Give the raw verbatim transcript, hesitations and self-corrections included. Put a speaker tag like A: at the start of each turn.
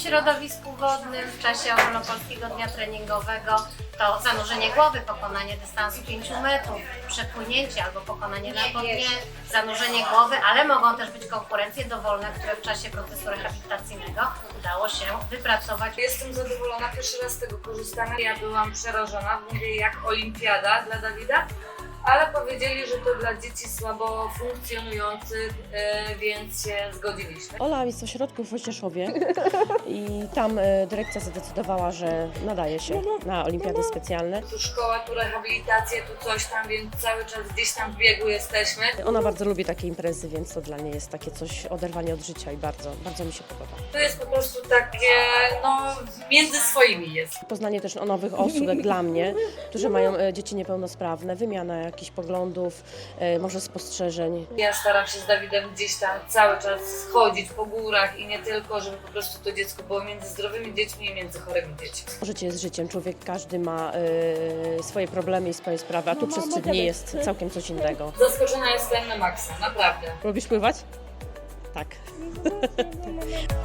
A: środowisku wodnym w czasie ogólnopolskiego dnia treningowego to zanurzenie głowy, pokonanie dystansu pięciu metrów, przepłynięcie albo pokonanie na po dnie, zanurzenie głowy, ale mogą też być konkurencje dowolne, które w czasie procesu rehabilitacyjnego udało się wypracować.
B: Jestem zadowolona, pierwszy raz z tego korzystamy. Ja byłam przerażona, mówię jak olimpiada dla Dawida, ale powiedzieli, że to dla dzieci słabo funkcjonujących, e, więc się zgodziliśmy.
C: Ola jest w ośrodku w Wojcieszowie i tam e, dyrekcja zadecydowała, że nadaje się na olimpiady specjalne.
B: Tu szkoła, tu rehabilitacja, tu coś tam, więc cały czas gdzieś tam w biegu jesteśmy.
C: Ona bardzo lubi takie imprezy, więc to dla niej jest takie coś, oderwanie od życia i bardzo, bardzo mi się podoba.
B: To jest po prostu takie, no między swoimi jest.
C: Poznanie też o nowych osób, jak dla mnie, którzy mają e, dzieci niepełnosprawne, wymiana jakichś poglądów, e, może spostrzeżeń.
B: Ja staram się z Dawidem gdzieś tam cały czas chodzić po górach i nie tylko, żeby po prostu to dziecko było między zdrowymi dziećmi i między chorymi dziećmi.
C: Życie jest życiem, człowiek każdy ma e, swoje problemy i swoje sprawy, a tu przez trzy dni jest całkiem coś innego.
B: Zaskoczona jestem na maksa, naprawdę.
C: Lubisz pływać? Tak.